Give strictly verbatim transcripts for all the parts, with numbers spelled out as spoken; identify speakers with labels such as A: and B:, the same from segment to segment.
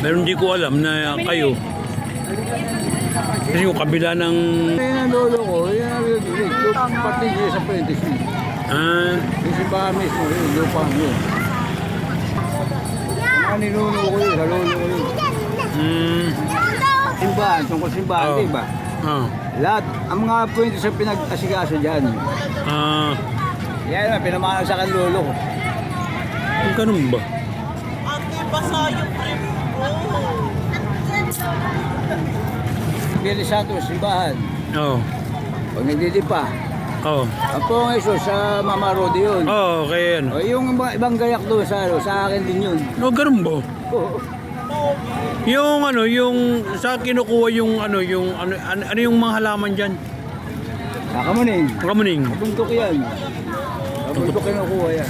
A: Pero hindi ko alam na kayo. Kasi yung kabila ng...
B: Yan ang lolo ko, yan ang rinig. Yung pati niya sa Prentice.
A: Ah,
B: Yung simbahan mismo, yun, lupa yun. Ang ninuno ko yun, sa lolo ko yun.
A: mm,
B: Simbahan, tungkol simbahan,
A: Oh.
B: diba?
A: ah,
B: Lahat, ang mga Prentice ang pinag-asikaso dyan.
A: ah,
B: Yan na, pinamahal sa kan lolo ko.
A: yung ganun ba?
C: Ate, basa yung trip ko.
B: Billy Santos, simbahan.
A: Oo.
B: Pag nagdidipa.
A: Oo.
B: Ang Pong Jesus sa Mama Rodi yun.
A: Oo, kaya yan.
B: O, yung iba- ibang gayak doon sa, ano, sa akin din yun.
A: No, ganun ba?
B: Oo.
A: Yung ano, yung sa kinukuha yung ano, yung ano, ano, ano yung mga halaman diyan?
B: Kakamuning.
A: Kamuning.
B: Kabundok yan. Kabundok kinukuha yan.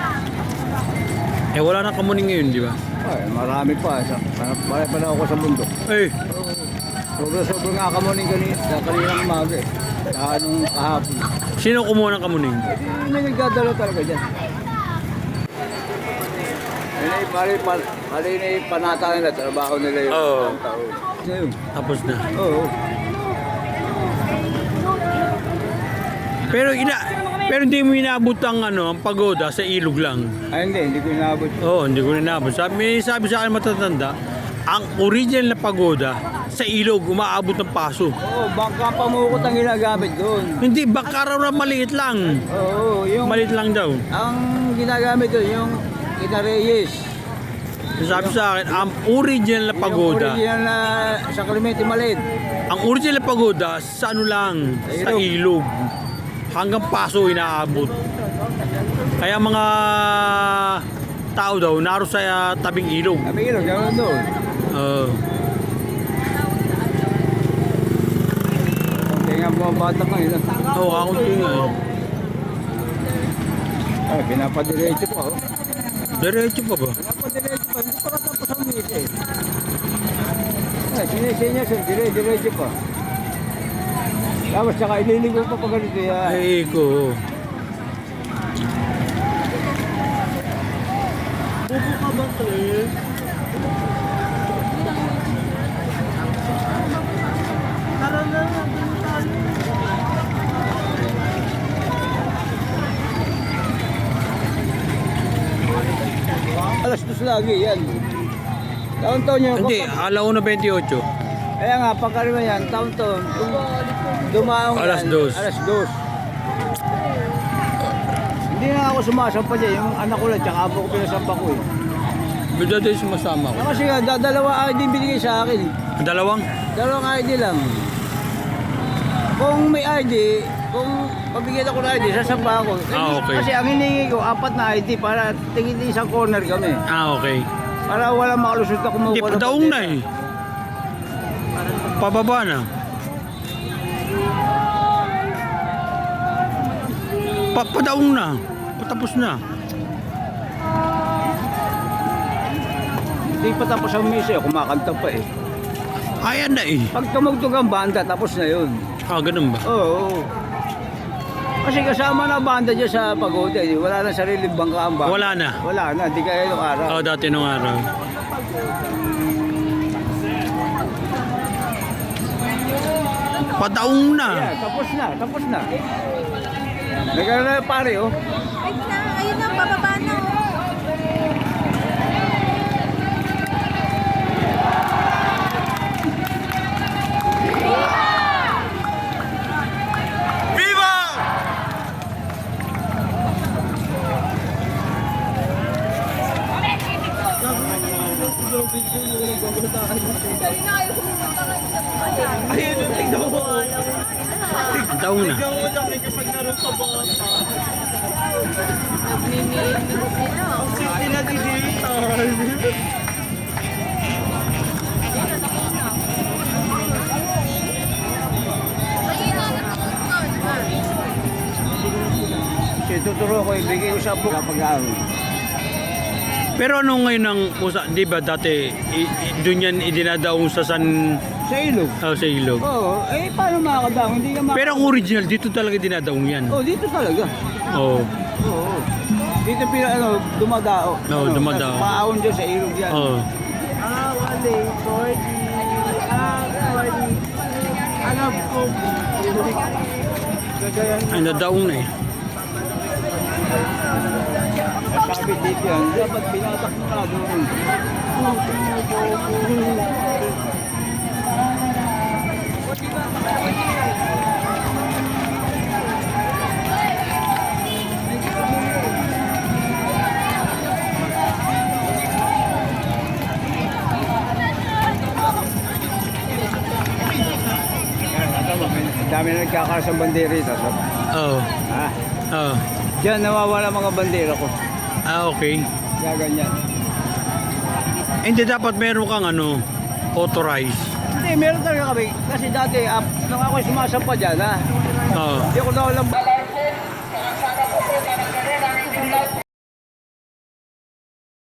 A: Eh wala na kamuning ngayon, di ba?
B: Ay, marami pa. Sa, marami pa na ako sa bundok.
A: Eh,
B: Sobra-sobra nga kamuning kanina, sa kaninang umaga eh. Sa anong kahapon.
A: sino kumuha ng kamuning?
B: Eh, may nagdadala talaga dyan. Mali, mali, mali, mali na yung panata nila, trabaho nila yung
A: Oo.
B: taon. Ano yun?
A: Tapos na.
B: Oo.
A: Pero ina pero hindi mo inaabot ang ano, ang pagoda sa ilog lang.
B: Ay hindi, hindi ko inabot.
A: Oo, hindi ko inaabot. Sabi, may sabi sa akin matatanda, ang original na pagoda sa ilog umaabot ng paso.
B: Oo, bangka pamukot ang ginagamit doon.
A: Hindi, baka raw na maliit lang.
B: Oo, yung...
A: Maliit lang daw.
B: Ang ginagamit doon, yung Kinareyes.
A: Sabi sa akin, ang original na
B: Yung
A: pagoda,
B: original na sa Clemente Malid.
A: ang original na pagoda sa ano lang, sa ilog. Hanggang paso inaabot. Kaya mga tao daw, naro sa uh, tabing ilog.
B: Sabi ko, gano'n doon.
A: Oo.
B: Kaya nga mga bata ka yun.
A: Oo, ako tingin.
B: Ay, pinapadiretso pa. Oh.
A: Diretso pa ba?
B: Pinapadiretso pa, hindi pa katapos ang misa eh. Ay, sinisinya siya, dire-diretso pa. Tapos saka ililigo pa pa ganito yan.
A: Ay, ko.
C: Bubo ka ba, Claire? Tara na, doon tayo.
B: Alas dos lagi yan. Taon-taon yun.
A: Hindi,
B: kapag-
A: alauna twenty-eight.
B: Kaya nga, pagkarima yan, taon-taon. Kung dumaong
A: Alas
B: yan,
A: dos.
B: Alas dos. Hindi na ako sumasampa dyan. Yung anak ko lang, tsaka apo ko pinasampa ko eh.
A: Bida din sumasama ko.
B: Ah, Kasi nga, da- dalawa I D binigay sa akin.
A: Ang dalawang?
B: Dalawang I D lang. Kung may I D, kung pabigyan ako ng I D, sasampa ako.
A: Ah, okay.
B: Kasi ang hiningi ko, apat na I D para tingin isang corner kami.
A: Ah, okay.
B: Para wala makalusot na kumuha.
A: Hindi, padaong na eh. Pababa na. Pa padaong na. Patapos na.
B: Hindi pa tapos ang misa, kumakanta pa eh.
A: Ayan na eh.
B: Pag tumugtog ang banda, tapos na yun.
A: Ah, ganun ba?
B: Oo. oo. Kasi kasama na banda dyan sa pagoda eh. Wala na sariling bangka ang banda.
A: Wala na.
B: Wala na, di kaya yung araw.
A: Oo, dati nung araw. Padaong na.
B: Yeah, tapos na, tapos na. Nagkaroon na yung pare oh.
D: Ayun na, ayun na, bababa na.
C: Ayun, tignan mo.
A: Padaong na.
C: Tignan mo lang kapag naroon sa bata.
D: Nagmimili sila.
C: City na digital.
B: Kasi tuturo ko, ibigay ko sa book kapag aaron.
A: Pero ano ngayon ang usa, di ba dati i, i, doon yan idinadaong sa san
B: Sa ilog.
A: oh, sa ilog.
B: Oo, eh paano makakadaong? Hindi ka makakadaong.
A: Pero ang original dito talaga dinadaong yan.
B: Oh, dito talaga.
A: Oh.
B: Oo. Dito pina ano, dumadao.
A: Oo,
B: ano,
A: dumadao.
B: Maahon dyan sa ilog yan.
A: Oh.
C: Ah, wali. Forty. Ah, forty. Alam ko. Gagayan.
A: Ay, nadaong na eh.
B: Sabi dito yan, dapat binatak mo na doon. Ang dami na nagkakaroon sa bandera ito. So.
A: Oo.
B: Ha?
A: Oo.
B: Diyan nawawala mga bandera ko.
A: Ah, okay.
B: Kaya ganyan.
A: Hindi dapat meron kang ano, authorized.
B: Hindi, meron talaga kami. Kasi dati, uh, nung ako sumasampa dyan, ha?
A: Oo.
B: Hindi ako nawalang